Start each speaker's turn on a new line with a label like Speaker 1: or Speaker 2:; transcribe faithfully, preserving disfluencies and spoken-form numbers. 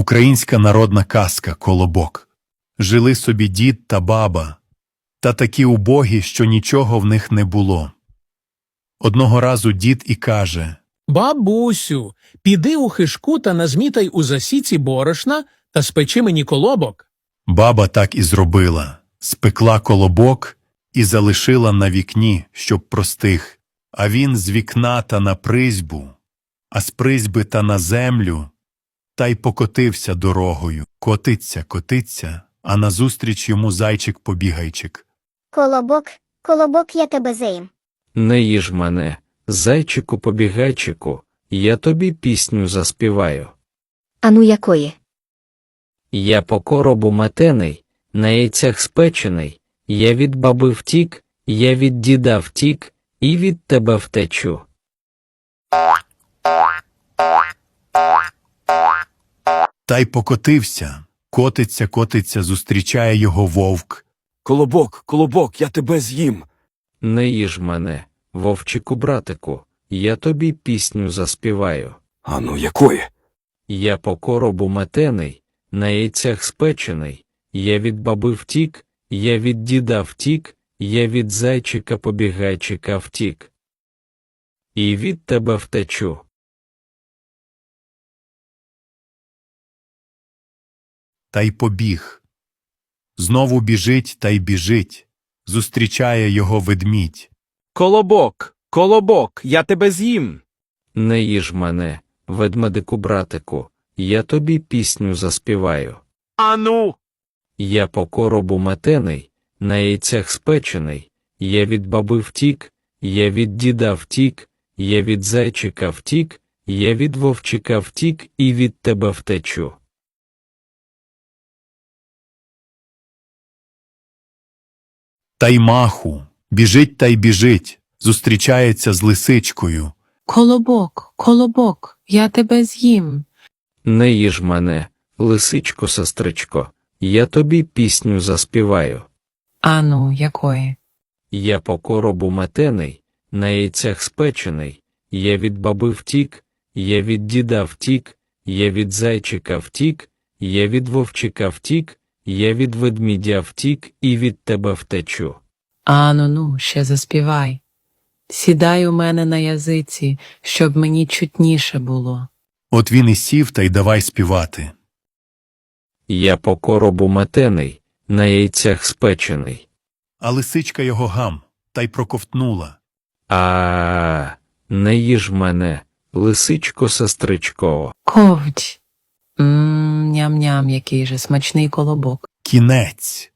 Speaker 1: Українська народна казка «Колобок». Жили собі дід та баба, та такі убогі, що нічого в них не було. Одного разу дід і каже:
Speaker 2: «Бабусю, піди у хишку та назмітай у засіці борошна та спечи мені колобок».
Speaker 1: Баба так і зробила. Спекла колобок і залишила на вікні, щоб простих. А він з вікна та на призьбу, а з призьби та на землю, та й покотився дорогою. Котиться, котиться, а назустріч йому зайчик-побігайчик.
Speaker 3: Колобок, колобок, я тебе з'їм.
Speaker 4: Не їж мене, зайчику-побігайчику, я тобі пісню заспіваю.
Speaker 3: Ану якої?
Speaker 4: Я по коробу метений, на яйцях спечений, я від баби втік, я від діда втік, і від тебе втечу.
Speaker 1: Та й покотився. Котиться, котиться, зустрічає його вовк.
Speaker 5: Колобок, колобок, я тебе з'їм.
Speaker 4: Не їж мене, вовчику-братику, я тобі пісню заспіваю.
Speaker 5: Ану якої?
Speaker 4: Я по коробу метений, на яйцях спечений, я від баби втік, я від діда втік, я від зайчика-побігайчика втік. І від тебе втечу.
Speaker 1: Та й побіг. Знову біжить та й біжить. Зустрічає його ведмідь.
Speaker 6: Колобок, колобок, я тебе з'їм.
Speaker 4: Не їж мене, ведмедику-братику, я тобі пісню заспіваю.
Speaker 6: Ану.
Speaker 4: Я по коробу метений, на яйцях спечений, я від баби втік, я від діда втік, я від зайчика втік, я від вовчика втік і від тебе втечу.
Speaker 1: Та й маху. Біжить та й біжить. Зустрічається з лисичкою.
Speaker 7: Колобок, колобок, я тебе з'їм.
Speaker 4: Не їж мене, лисичко-сестричко, я тобі пісню заспіваю.
Speaker 7: Ану, якої?
Speaker 4: Я по коробу метений, на яйцях спечений, я від баби втік, я від діда втік, я від зайчика втік, я від вовчика втік, я від ведмідя втік і від тебе втечу.
Speaker 7: Ану, ну, ще заспівай. Сідай у мене на язиці, щоб мені чутніше було.
Speaker 1: От він і сів та й давай співати.
Speaker 4: Я по коробу метений, на яйцях спечений.
Speaker 1: А лисичка його гам, та й проковтнула.
Speaker 4: А, не їж мене, лисичко-сестричко.
Speaker 7: Ковдь. Мм, ням-ням, який же смачний колобок.
Speaker 1: Кінець.